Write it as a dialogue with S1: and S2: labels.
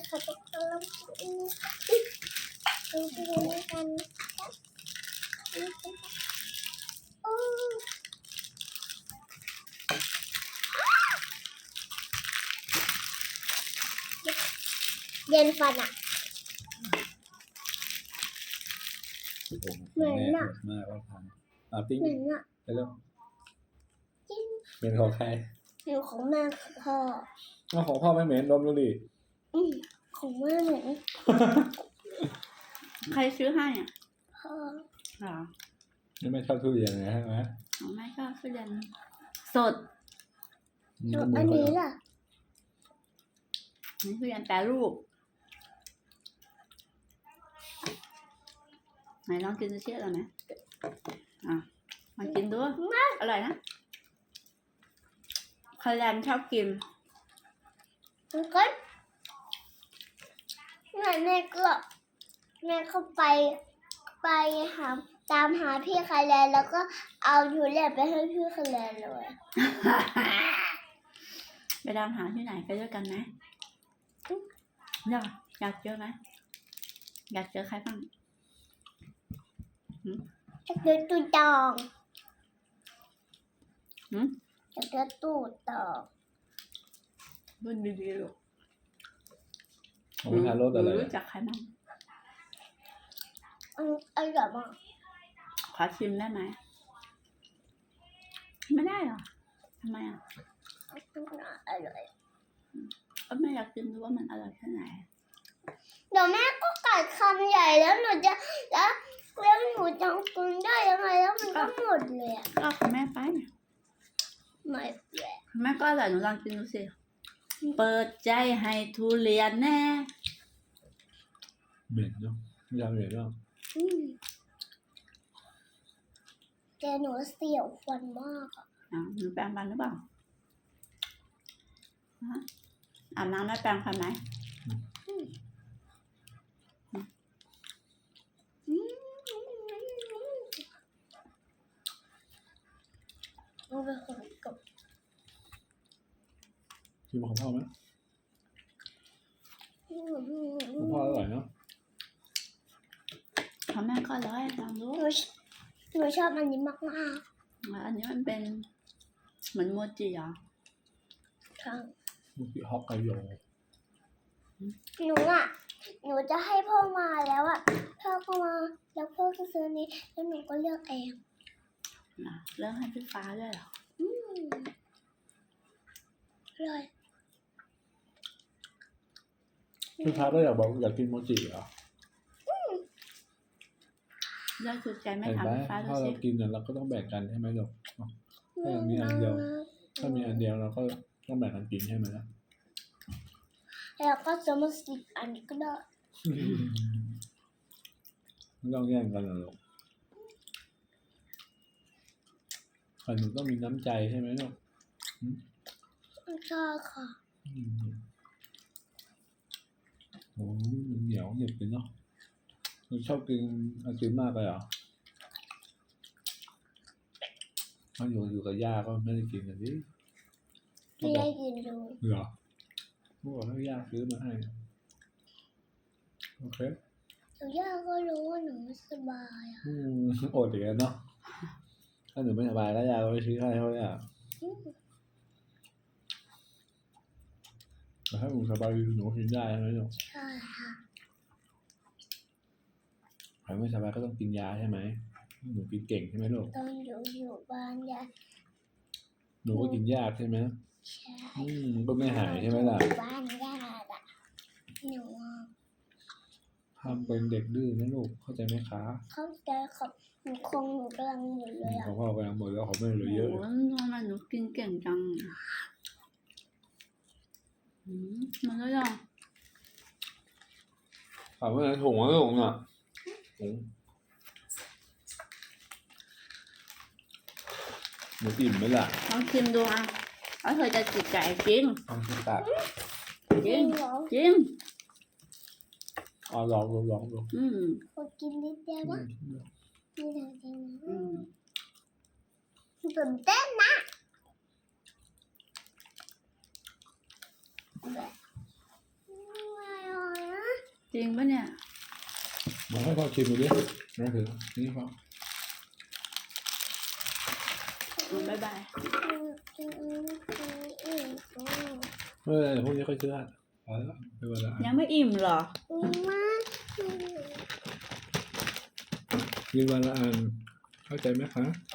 S1: เขาจะกำลังกินดูนี่กันโอ้เย็นฟันอ่ะเหมือนน่ะ
S2: มากว่าพังปิ้ง
S1: เหมือนอ่ะ
S2: ไปแล้ว
S1: จริง
S2: เป็นของใคร
S1: หนูของแม่พ่อ
S2: เอาของพ่อไม่เหม็นดมดูดิ
S1: ของแม่เหมือน
S3: ใครซื้อให้อ่ะ
S1: พ่อ
S3: หรอ
S2: นี่ไม่ชอบทุเรียนนะใช่ไหม
S3: ของแม่ก็ทุเรียนสด
S1: แล้วอันนี้ล่ะ
S3: นี่ทุเรียนแปรรูปไหนลองกินดูเชื่อเราไหมมากินดูอร่อยนะคาแรนชอบกิน
S1: มันก็แม่ก็แม่เข้าไปหาตามหาพี่คาแลนแล้วก็เอาทุเรียนไปให้พี่คาแลนเลย
S3: ไปตามหาที่ไหนไปด้วยกันไหมอยากเจอไหมอยากเจอใครบ้าง
S1: จะเจอตู้ตองจะเจอตู้ตอง
S3: รุ่นดีๆลูก
S2: ของทารสอะไร
S3: รู้จักใครบ้าง
S1: อร่อยมาก
S3: ขอชิมได้ไหมไม่ได้หรอทำไมอ่ะ
S1: อร่อย
S3: ก็ไม่อยากกินดูว่ามันอร่อยแค่ไหน
S1: เดี๋ยวแม่ก็กัดคำใหญ่แล้วหนูจะแล้วหนูจะกินได้ยังไงแล้วมันก็หมดเลยอ่ะ
S3: ก็ของแม่ไป
S1: ไม่เลย
S3: แม่ก็อร่อยหนูลองกินดูสิเปิดใจให้ทุเรียนแน่
S2: เหม็นเนาะยาเหม็นเนาะ
S1: แต่หนูเสียวฟันมากอ่ะ
S3: หนูแปรงฟันหรือเปล่าอาบน้ำได้แปรงฟันไหม
S1: มันเป็นคนกับ
S2: ชิมของพ่อไหมของพ่ออร่อยเนาะ
S3: ของแม่ก็อร่อยลองดู
S1: หนูชอบอันนี้มาก
S3: อันนี้มันเป็นเหมือนโมจิเหรอ
S1: ๆค่ะ
S2: มุกิฮอกไกโย
S1: หนูจะให้พ่อมาแล้วอ่ะพ่อก็มาแล้วพ่อก็ซื้อนี้แล้วหนูก็เลือกเอง
S3: เรื่องให้พี่ฟ้าด้วยเหรอ
S1: เลย
S2: พี่พาก็อยากบอกอยากกินโมจิเหรอ
S3: เรื่องถูกใจไม่
S2: เห็น
S3: ถาม
S2: ไหม
S3: พี่ฟ้าดู
S2: ถ้าเรา
S3: สิ
S2: กินเนี่ยเราก็ต้องแบ่งกันใช่ไหมลูกถ้ามีอันเดียว ถ้ามีอันเดียวเราก็ต้องแบ่งกันกินใช่ไหมล่ะ
S1: แล้วก็จะมาสิอันนี้ก็ได้
S2: ไม่ต้องแย่งกันหรอกแต่หนูต้องมีน้ำใจใช่ไหมลูก
S1: ใช่ค่ะ
S2: โอ้ยมันเหนียวเหนียบเลยเนาะหนูชอบกินไอติมมากเลยเหรอถ้าอยู่กับย่าก็ไม่ได้กินกันดิ
S1: ไม่ได้กินดู
S2: เหรอเมื่อก่อนให้ย่าซื้อมาให้โอเค
S1: แต่ย่าก็รู้ว่าหนูไม่สบายอ่ะ
S2: อดอีกแล้วเนาะถ้าหนูไม่สบายแล้วย่าก็ไปซื้อให้เขาเลยอ่ะแต่ถ้าหนูสบายหนูกินได้ใช่ไหมลูก
S1: ใช่ค่ะ
S2: ใครไม่สบายก็ต้องกินยาใช่ไหมหนูกินเก่งใช่ไหมลูก
S1: ตอนอยู่บ้านยา
S2: หนูก็กินยากใช่ไหม
S1: ใช่
S2: ก็ไม่หายใช่ไหมล่ะ
S1: บ้านยาอ่ะหนู
S2: ทำเป็นเด็กดื้อนะลูกเข้าใจไหมคะ
S1: เข้าใจครับหนูคงหนูกำลังหมดเลยอ่ะ
S2: ของพ่อกำลังหมดแล้วของแม่เหลือเยอะ
S3: โอ้โหทำไมหนูกินเก่งจังมันก็ยัง
S2: ถามว่าไหนถุงวะถุงอ่ะถุงหนูอิ่มไหมล่ะ
S3: ลองชิมดูอ่ะแล้วเธอจะจิตใจจริง
S2: ลองชิมตัก
S3: จริง
S1: เหรอ
S3: จริง
S2: ลองดู
S1: ขอกินนิดเดียวนะนี่ทางจริงนะตื่นเต้นนะแบบไม่อ่ะ
S3: จริงปะเนี่ย
S2: มาให้พ่อชิมดูดินะถือนี่พ่อ
S3: บ๊ายบาย
S2: เออพวกนี้ค่อยซื้ออ่ะพอแล้วไปวันละอัน
S3: ยังไม่อิ่มเหรอ
S2: กินวันละอันเข้าใจไหมคะ